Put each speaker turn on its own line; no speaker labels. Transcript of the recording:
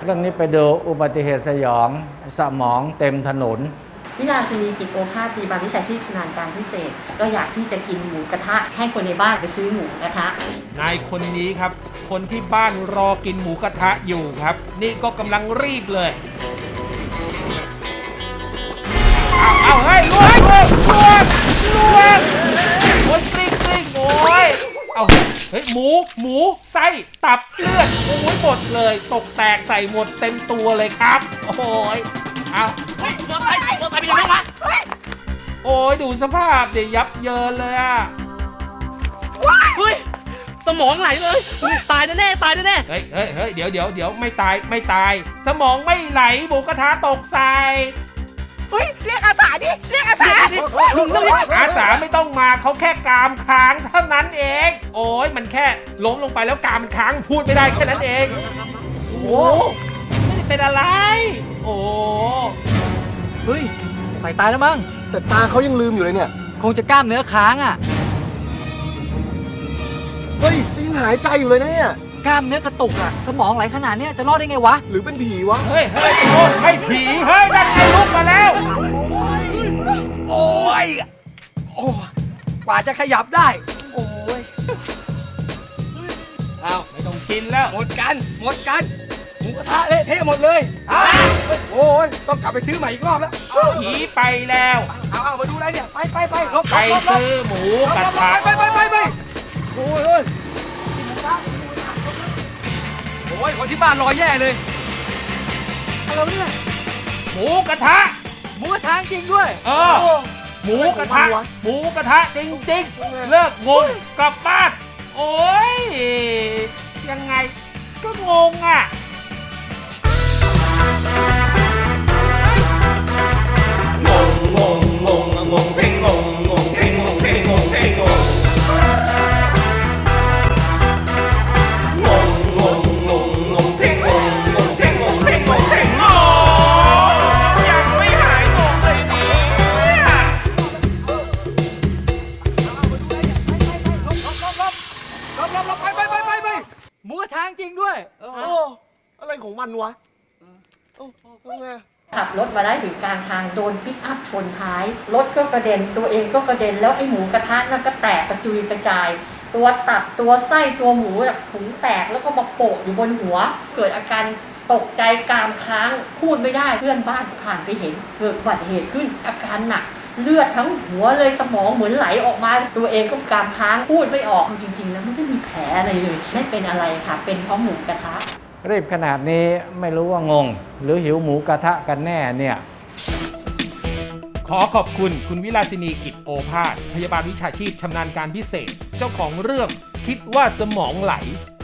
รื่องนี้ไปดูอุบัติเหตุสยองสมองเต็มถนน
วิลาสินีกิจโอภาสพยาบาลวิชาชีพชำนาญการพิเศษก็อยากที่จะกินหมูกระทะให้คนในบ้านไปซื้อหมูกระทะ
นายคนนี้ครับคนที่บ้านรอกินหมูกระทะอยู่ครับนี่ก็กำลังรีบเลยเอาเฮ้ยลวกโอ้ยกลิ้งโอ้ยเอาเฮ้ยหมูไส้ตับเลือดโอ้ยหมดเลยตกแตกใส่หมดเต็มตัวเลยครับโอ้ยเอา
เฮ้ยมอไซค์เป็นยังไงวะ
โอ้ยดูสภาพเดี๋ยวยับเยินเลยอ่ะ
เฮ้ยสมองไหลเลยตายแน่เ
ฮ้ยเดี๋ยวไม่ตายสมองไม่ไหลหมูกระทะตกใส่
เฮ้ยเรียกอาสาดิเรียกอาสา
ลุงอาสาไม่ต้องมาเขาแค่กามค้างเท่านั้นเองโอ้ยมันแค่ล้มลงไปแล้วกามค้างพูดไม่ได้แค่นั้นเองโอ้ไม่ได้เป็นอะไรโอ้
เฮ้ยใส่ตายแล้วมั้ง
แต่ตาเขายังลืมอยู่เลยเนี่ย
คงจะกล้ามเนื้อค้างอ่ะ
เฮ้ยยังหายใจอยู่เลยนะเนี่ย
กล้ามเนื้อกระตุกอ่ะสมองไหลขนาดนี้จะรอดได้ไงวะ
หรือเป็นผีวะ
เฮ้ยไม่ผีเฮ้ยนั่นไงลุกมาแล้ว
โอ้ยกว่าจะขยับได้โอ้ย
เอาไม่ต้องกินแล้ว
หมดกันหมูกระทะเละเทะหมดเลยโอ้ยต้องกลับไปซื้อใหม่อีกรอบแล้ว
ผีไปแล้ว
เอามาดูอะไรเนี่ยไป
ไปซื้อหมูกระทะ
ไปโอ้ยคนที่บ้านรอแย่เลยอะไรเนี่ย
หมูกระทะ
จริงด้วย
หมูกระทะจริงเลิกงงกลับบ้านโอ้ยยังไงก็งงอ่ะ
งงเพ่งงงเพ่งงงเพ่งงงเพ่งงงยังไม่หายงงเลยเนี่ย
ไปหมูกระทะจริงด้วย
อะไรของมันวะ
ขับรถมาได้ถึงกลางทางโดนปิกอัพชนท้ายรถก็กระเด็นตัวเองก็กระเด็นแล้วไอ้หมูกระทะนั่นก็แตกกระจุยกระจายตัวตับตัวไส้ตัวหมูแบบถุงแตกแล้วก็มาโปะอยู่บนหัวเกิดอาการตกใจกรามค้างพูดไม่ได้เพื่อนบ้านผ่านไปเห็นเกิดอุบัติเหตุขึ้นอาการหนักเลือดทั้งหัวเลยสมองเหมือนไหลออกมาตัวเองก็กรามค้างพูดไม่ออกจริงๆแล้วไม่ได้มีแผลอะไรเลยไม่เป็นอะไรค่ะเป็นเพราะหมูกระทะ
รีบขนาดนี้ไม่รู้ว่างงหรือหิวหมูกระทะกันแน่เนี่ย
ขอขอบคุณคุณวิลาสินีกิจโอภาสพยาบาลวิชาชีพชำนาญการพิเศษเจ้าของเรื่องคิดว่าสมองไหล